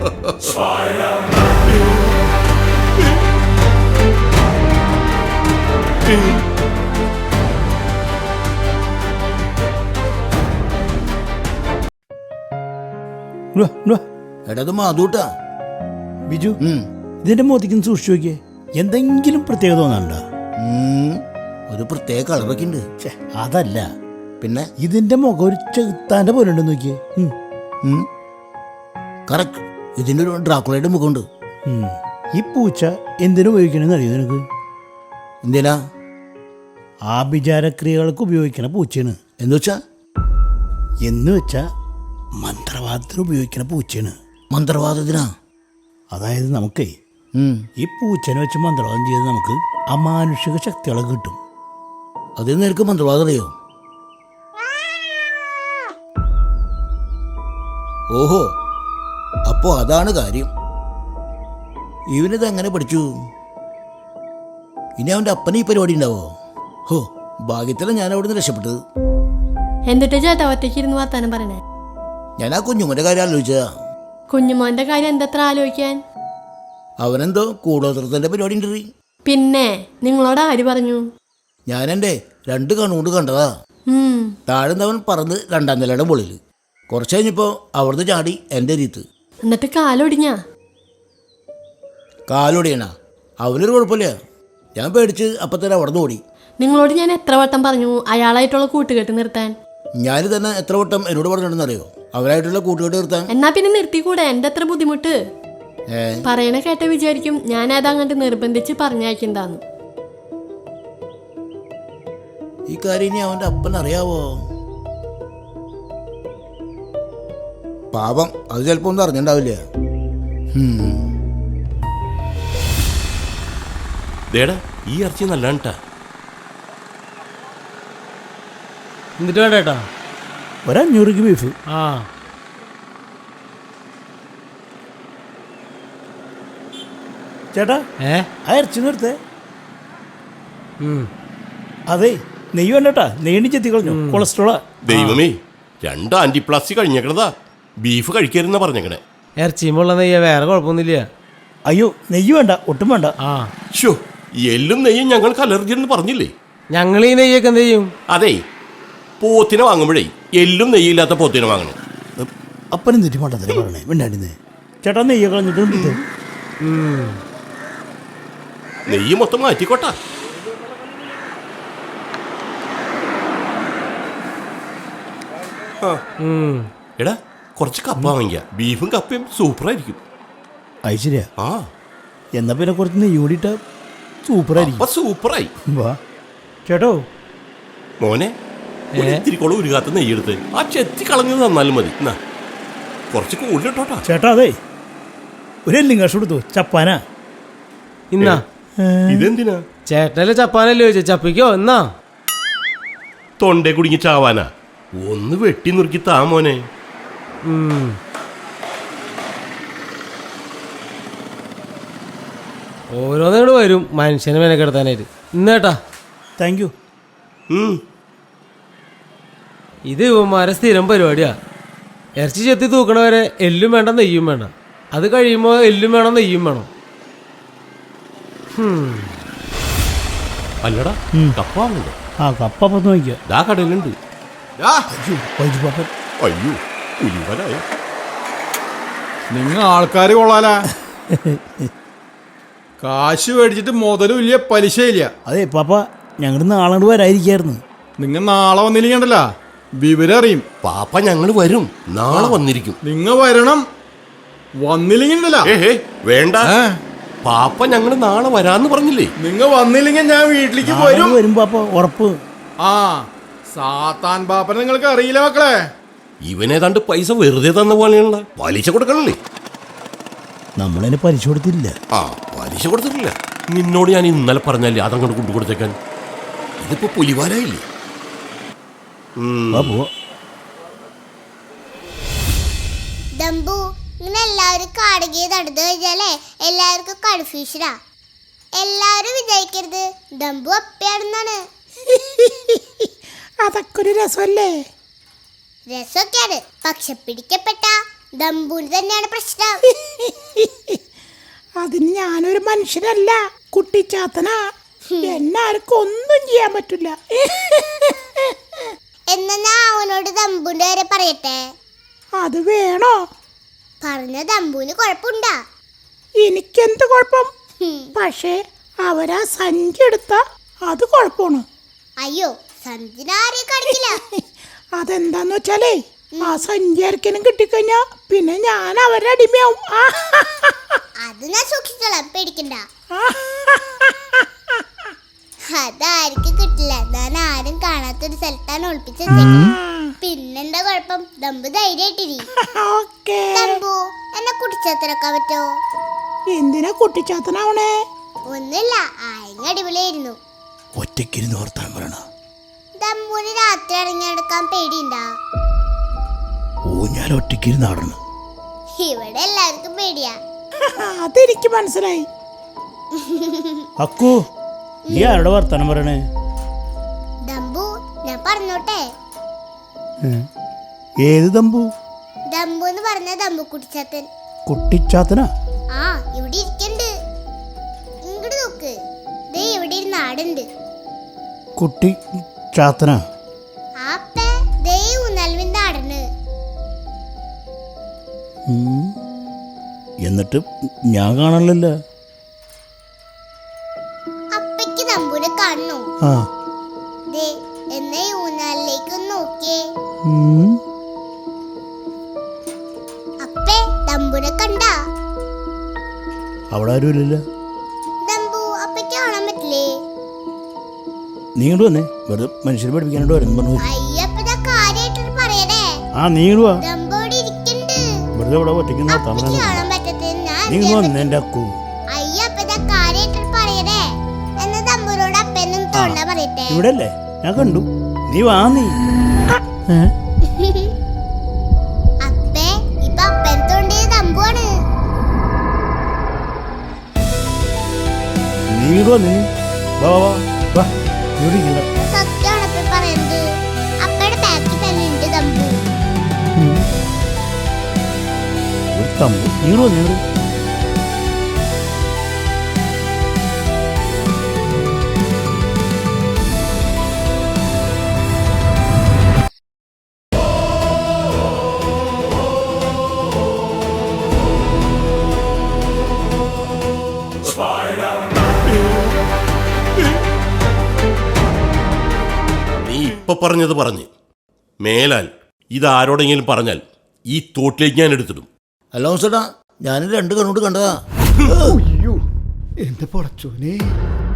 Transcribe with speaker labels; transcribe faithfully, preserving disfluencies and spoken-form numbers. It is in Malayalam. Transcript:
Speaker 1: എടത് മാതൂട്ടാ
Speaker 2: ബിജു, ഇതിന്റെ മോത്തിക്ക് സൂക്ഷിച്ചു നോക്കിയേ. എന്തെങ്കിലും പ്രത്യേകത തോന്നണ്ട?
Speaker 1: ഒരു പ്രത്യേക കളറൊക്കെ ഉണ്ട്.
Speaker 2: അതല്ല,
Speaker 1: പിന്നെ
Speaker 2: ഇതിന്റെ മുഖം ഒരു ചെകുത്താന്റെ പോലെ ഉണ്ടെന്ന് നോക്കിയേ.
Speaker 1: കറക്റ്റ്, ഇതിന്റെ ഒരു ഡ്രാക്കുളയുടെ മുഖമുണ്ട്.
Speaker 2: ഈ പൂച്ച എന്തിനു ഉപയോഗിക്കണമെന്ന് അറിയോ നിനക്ക്?
Speaker 1: എന്തിനാ?
Speaker 2: ആഭിചാരക്രിയകൾക്ക് ഉപയോഗിക്കണ പൂച്ചയാണ്.
Speaker 1: എന്ന് വെച്ചാ
Speaker 2: എന്ന് വെച്ചാ മന്ത്രവാദത്തിന് ഉപയോഗിക്കണ പൂച്ചയാണ്.
Speaker 1: മന്ത്രവാദത്തിനാ?
Speaker 2: അതായത് നമുക്കേ ഈ പൂച്ചനെ വെച്ച് മന്ത്രവാദം ചെയ്ത് നമുക്ക് അമാനുഷിക ശക്തികളൊക്കെ കിട്ടും.
Speaker 1: അതിൽ നിനക്ക് മന്ത്രവാദം അറിയോ? ഓഹോ, അപ്പോ അതാണ് കാര്യം. ഇവനിത് എങ്ങനെ പഠിച്ചു? ഇനി അവന്റെ അപ്പന് ഈ പരിപാടി ഉണ്ടാവോ? ഹോ, ഭാഗ്യത്തിലാണ് ഞാൻ അവിടെ നിന്ന് രക്ഷപ്പെട്ടത്.
Speaker 3: എന്നിട്ട് ചേട്ടാ ഒറ്റയ്ക്ക് ഇരുന്ന് വർത്താനം പറയണേ?
Speaker 1: ഞാൻ ആ കുഞ്ഞുമോന്റെ കാര്യം ആലോചിച്ചതാ.
Speaker 3: കുഞ്ഞുമോന്റെ കാര്യം എന്തത്ര ആലോചിക്കാൻ?
Speaker 1: അവനെന്തോ കൂടോത്രത്തിന്റെ പരിപാടി ഉണ്ട്.
Speaker 3: പിന്നെ നിങ്ങളോട് ആര് പറഞ്ഞു?
Speaker 1: ഞാൻ എൻ്റെ രണ്ട് കണ്ണുകൊണ്ട് കണ്ടതാ. താഴ്ന്നവൻ പറന്ന് രണ്ടാം നിലയുടെ മുകളിൽ. കുറച്ച് കഴിഞ്ഞപ്പോ അവിടുന്ന് ചാടി എൻ്റെ രീത്ത്.
Speaker 3: എന്നിട്ട് കാലൊടിഞ്ഞാ?
Speaker 1: കാലൊടിയണ അവനൊരു കുഴപ്പമില്ല. ഞാൻ പേടിച്ച് അപ്പത്തന്നെ അവിടുന്ന് ഓടി.
Speaker 3: നിങ്ങളോട് ഞാൻ എത്ര വട്ടം പറഞ്ഞു അയാളായിട്ടുള്ള കൂട്ടുകെട്ട് നിർത്താൻ?
Speaker 1: ഞാൻ തന്നെ എത്ര വട്ടം എന്നോട് പറഞ്ഞിട്ടുണ്ടെന്നറിയോ അവരായിട്ടുള്ള കൂട്ടുകെട്ട് നിർത്താൻ?
Speaker 3: എന്നാ പിന്നെ നിർത്തിക്കൂടെ? എന്റെ അത്ര ബുദ്ധിമുട്ട് പറയണ കേട്ട വിചാരിക്കും ഞാൻ അതങ്ങോട്ട് നിർബന്ധിച്ച് പറഞ്ഞയക്കണ്ടാന്ന്.
Speaker 1: ഈ കാര്യം ഇനി അവന്റെ അപ്പൻ അറിയാവോ? പാപം, അത് ചിലപ്പോ ഒന്നും അറിഞ്ഞിണ്ടാവില്ല.
Speaker 4: ഈ ഇറച്ചി നല്ലാണ്ടാ.
Speaker 5: എന്നിട്ട് വേണ്ട ചേട്ടാ
Speaker 2: ഒരഞ്ഞൂറ് ബീഫ്.
Speaker 5: ആ
Speaker 2: ചേട്ടാ,
Speaker 5: ഏ
Speaker 2: ആ ഇറച്ചി നിർത്തേ. അതെ, നെയ്യ് വേണ്ടട്ടാ. നെയ്യണി ചെത്തി കളഞ്ഞു, കൊളസ്ട്രോളാ.
Speaker 4: ദൈവമേ, രണ്ട് ആന്റിപ്ലാസ്റ്റിക് കഴിഞ്ഞേക്കണതാ. ബീഫ് കഴിക്കരുതെന്നാ പറഞ്ഞേക്കണേ.
Speaker 5: ഇറച്ചിയുമുള്ള നെയ്യ, വേറെ കുഴപ്പമൊന്നുമില്ല.
Speaker 2: അയ്യോ, നെയ്യ് വേണ്ട, ഒട്ടും വേണ്ട.
Speaker 5: ആ
Speaker 4: ഷോ, എല്ലും നെയ്യും ഞങ്ങൾക്ക് അലർജി എന്ന് പറഞ്ഞില്ലേ?
Speaker 5: ഞങ്ങൾ ഈ നെയ്യൊക്കെ എന്ത് ചെയ്യും?
Speaker 4: അതെ, പോത്തിനെ വാങ്ങുമ്പോഴേ എല്ലും നെയ്യില്ലാത്ത പോത്തിനെ വാങ്ങണം.
Speaker 2: അപ്പനും തെറ്റി മണ്ടത്തിനെ പറയണേ മിണ്ടാണ്ടിന്ന്. ചേട്ടാ, നെയ്യ് കളഞ്ഞിട്ട്
Speaker 4: നെയ്യ് മൊത്തം മാറ്റിക്കോട്ടാ. എടാ, കുറച്ച് കപ്പ വാങ്ങിക്ക. ബീഫും കപ്പയും സൂപ്പറായിരിക്കും.
Speaker 2: അത് ശരിയാ.
Speaker 4: ആ,
Speaker 2: എന്നാ പിന്നെ കുറച്ച് നെയ്യ് കൂടിയിട്ട സൂപ്പറായിരിക്കും.
Speaker 4: സൂപ്പറായി.
Speaker 2: വാ ചേട്ടോ.
Speaker 4: മോനെ, ഇത്തിരിക്കോളം ഉരുകാത്ത നെയ്യെടുത്ത് ആ ചെത്തി കളഞ്ഞത് തന്നാലും മതി. എന്നാ കുറച്ച് കൂടുതലിട്ടോട്ടാ.
Speaker 2: ചേട്ടാ, അതെ, ഒരു എല്ലും കഷ കൊടുത്തു. ചപ്പാനാ.
Speaker 5: ഇന്നാ
Speaker 4: ഇതെന്തിനാ?
Speaker 5: ചേട്ടനല്ലേ ചപ്പാനല്ലേ ചോദിച്ച? ചപ്പിക്കോ എന്നാ?
Speaker 4: തൊണ്ടേ കുടുങ്ങി ചാവാനാ? ഒന്ന് വെട്ടി നുറുക്കി താ മോനെ.
Speaker 5: ഓരോന്നിങ്ങോട് വരും മനുഷ്യനെ മെനക്കെടുത്താനായിട്ട്. ഇന്നേട്ടാ,
Speaker 2: താങ്ക് യു.
Speaker 5: ഇത് ഇവന്മാരെ സ്ഥിരം പരിപാടിയാ. ഇറച്ചി ചെത്തി തൂക്കണവരെ എല്ലും വേണ്ട നെയ്യും വേണ്ട. അത് കഴിയുമ്പോൾ എല്ലും വേണം നെയ്യും വേണം.
Speaker 4: അല്ലടാ, കപ്പ വാങ്ങണ്ടേ?
Speaker 2: ആ, കപ്പ പത്ത് നോക്കിയാ
Speaker 4: ദാ കടയിലുണ്ട്.
Speaker 1: അയ്യോ,
Speaker 6: നിങ്ങൾ ആൾക്കാർ കൊള്ളാലാ. കാശ് മേടിച്ചിട്ട് മുതലും ഇല്ല, പലിശയില്ല.
Speaker 2: അതെ പാപ്പ, ഞങ്ങൾ നാളെ വരാതിരിക്കായിരുന്നു.
Speaker 6: നിങ്ങൾ നാളെ വന്നിരിക്കണ്ടല്ല, വിവരം അറിയും.
Speaker 4: പാപ്പ ഞങ്ങൾ വരും, നാളെ വന്നിരിക്കും.
Speaker 6: നിങ്ങൾ വരണം, വന്നില്ലെങ്കിലല്ല.
Speaker 4: വേണ്ട, പാപ്പ ഞങ്ങൾ നാളെ വരാന്ന് പറഞ്ഞില്ലേ?
Speaker 6: നിങ്ങൾ വന്നില്ലെങ്കിൽ ഞാൻ വീട്ടിലേക്ക് വരും.
Speaker 2: വരും പാപ്പ, ഉറപ്പ്.
Speaker 6: ആ, സാത്താൻ പാപ്പനെ നിങ്ങൾക്ക് അറിയില്ല മക്കളെ.
Speaker 4: ഇവനേതാണ്ട് പൈസ വെറുതെ തന്ന പോലെയുള്ള പലിശ കൊടുക്കണല്ലേ?
Speaker 2: നമ്മളതിന് പലിശ കൊടുത്തില്ല.
Speaker 4: ആ, പലിശ കൊടുത്തിട്ടില്ല. നിന്നോട് ഞാൻ ഇന്നലെ പറഞ്ഞല്ലേ അതങ്ങോട്ട് കൊണ്ടു കൊടുത്തേക്കാൻ. ഇതിപ്പോ പുലിവാലായില്ലേ?
Speaker 7: ദമ്പു, ഇങ്ങനെ എല്ലാവരും കാടുകയെ നടന്നു കഴിഞ്ഞാലേ എല്ലാവർക്കും കൺഫ്യൂഷനാ. എല്ലാവരും വിചാരിക്കരുത് ദമ്പു അപ്പയാണെന്നാണ്.
Speaker 2: അതൊക്കെ ഒരു രസമല്ലേ?
Speaker 7: രസമൊക്കെയാണ്, പക്ഷെ പിടിക്കപ്പെട്ട ദമ്പുവിന് തന്നെയാണ് പ്രശ്നം.
Speaker 8: ഞാനൊരു മനുഷ്യനല്ല, കുട്ടിച്ചാത്തനാ. എന്നെ ആർക്കും ഒന്നും ചെയ്യാൻ പറ്റില്ല.
Speaker 7: എന്നാ ഞാൻ അവനോട് ദമ്പുന്റെ വരെ പറയട്ടെ.
Speaker 8: അത് വേണോ?
Speaker 7: പറഞ്ഞ ദമ്പുവിന് കുഴപ്പമുണ്ടാ?
Speaker 8: എനിക്കെന്ത് കുഴപ്പം? പക്ഷേ അവരാ സഞ്ചി എടുത്ത അത് കുഴപ്പമാണ്.
Speaker 7: അയ്യോ, സഞ്ചിനാരെ കാണിക്കില്ല.
Speaker 8: അതെന്താന്ന് വെച്ചാലേ ആ സഞ്ചി ആർക്കെങ്കിലും കിട്ടിക്കഴിഞ്ഞാ പിന്നെ ഞാൻ അവരുടെ അടിമയാവും.
Speaker 7: അത് ഞാൻ സൂക്ഷിച്ചോളാം, പേടിക്കണ്ട. അതാർക്ക് കിട്ടില്ല. ഞാൻ ആരും കാണാത്തൊരു സ്ഥലത്താണ് ഒളിപ്പിച്ച് വെച്ചേക്കുന്നത്. പിന്നെന്താ കുഴപ്പം? ദമ്പു ധൈര്യമായിട്ടിരി.
Speaker 8: ഓക്കേ.
Speaker 7: ദമ്പു, എന്നെ കുട്ടിച്ചാത്തനൊക്കെ പറ്റോ?
Speaker 8: എന്തിനാ കുട്ടിച്ചാത്തനാവണേ?
Speaker 7: ഒന്നുമില്ല, ആയങ്ങ അടിപൊളിയായിരുന്നു.
Speaker 2: ഒറ്റയ്ക്കിരുന്ന് ഓർത്താൻ പറയണ.
Speaker 7: ദമ്പുവിന് രാത്രി ഇറങ്ങിയെടുക്കാൻ പേടിയുണ്ടാ?
Speaker 2: ഓ, ഞാൻ ഒറ്റയ്ക്കിരുന്ന് ആടണം.
Speaker 7: ഇവിടെ എല്ലാവർക്കും പേടിയാ.
Speaker 8: അതെനിക്ക് മനസ്സിലായി.
Speaker 2: അക്കു, നീ ആരുടെ വർത്താനം പറയണേ?
Speaker 7: ദമ്പു, ഞാൻ പറഞ്ഞോട്ടെ.
Speaker 2: ഏത് ദമ്പു?
Speaker 7: ദമ്പു എന്ന് പറഞ്ഞ ദമ്പു കുട്ടിച്ചാത്തൻ.
Speaker 2: കുട്ടിച്ചാത്തനാ?
Speaker 7: ആ, ഇവിടെ ഇരിക്കണ്ട്. ഇങ്ങോട്ട് നോക്ക്, ദേ ഇവിടെ ഒരു നാടുണ്ട്.
Speaker 2: കുട്ടി ചാത്തനാ?
Speaker 7: ആപ്പേ, ദേ ഊന്നാൽവിന്റെ നാടന്.
Speaker 2: എന്നിട്ട് ഞാൻ കാണാനില്ലല്ലോ.
Speaker 7: അപ്പയ്ക്ക് ദമ്പുനെ കാണണോ?
Speaker 2: ആ.
Speaker 7: ദേ, എന്നെ ഊന്നാലിലേക്ക് ഒന്ന് നോക്കിയേ. അപ്പേ, ദമ്പുനെ കണ്ടാ?
Speaker 2: അവിടെ ആരും ഇല്ലല്ലോ.
Speaker 7: ദമ്പു, അപ്പയ്ക്ക് കാണാൻ പറ്റില്ലേ?
Speaker 2: നീ ഇങ്ങോട്ട് വന്നേ, വെറുതെ മനുഷ്യരെ പഠിപ്പിക്കാനോട് വരുന്നു പറഞ്ഞു.
Speaker 7: അയ്യപ്പ കാര്യമായിട്ടൊരു പറയണേ.
Speaker 2: ആ, നീ ഇങ്ങോട്ട് വാ.
Speaker 7: ദമ്പു ഇവിടെ ഇരിക്കണ്ട്.
Speaker 2: വെറുതെ ഇവിടെ ഒറ്റയ്ക്ക് നോക്കാൻ
Speaker 7: അപ്പയ്ക്ക്
Speaker 2: പറഞ്ഞു.
Speaker 7: കാണാൻ പറ്റത്തേ ഞാൻ
Speaker 2: നീ ഇങ്ങോട്ട് വന്നേ എൻ്റെ അക്കു.
Speaker 7: അയ്യപ്പ കാര്യമായിട്ടൊരു പറയണേ. എന്ന് ദമ്പുനോട് അപ്പനും തോണ്ട പറയട്ടെ.
Speaker 2: ഇവിടെ അല്ലേ, ഞാൻ കണ്ടു. നീ വാ. നീ
Speaker 7: അപ്പേ, ഇപ്പൊ അപ്പൻ തോണ്ടിയത് ദമ്പുവാണ്.
Speaker 2: നീ ഇങ്ങോട്ട് വന്നേ. വാ വാ വാ, ഇവിടെ ഇരിക്കണ്ട.
Speaker 7: സത്യമാണ് അപ്പ പറയുന്നത്. അപ്പയുടെ ബാക്കിൽ തന്നെ ഉണ്ട് ദമ്പു.
Speaker 2: ഒരു തമ്പു. നീ ഇങ്ങോട്ട് വന്നേ. ഇങ്ങോട്ട്.
Speaker 4: നീ ഇപ്പൊ പറഞ്ഞത് പറഞ്ഞ് മേലാൽ ഇതാരോടെങ്കിലും പറഞ്ഞാൽ ഈ തോട്ടിലേക്ക് ഞാൻ എടുത്തിടും.
Speaker 1: അല്ല ചേട്ടാ, ഞാൻ രണ്ട് കണ്ണോട് കണ്ടതാ.
Speaker 6: അയ്യോ, എന്റെ പൊടച്ചോനെ.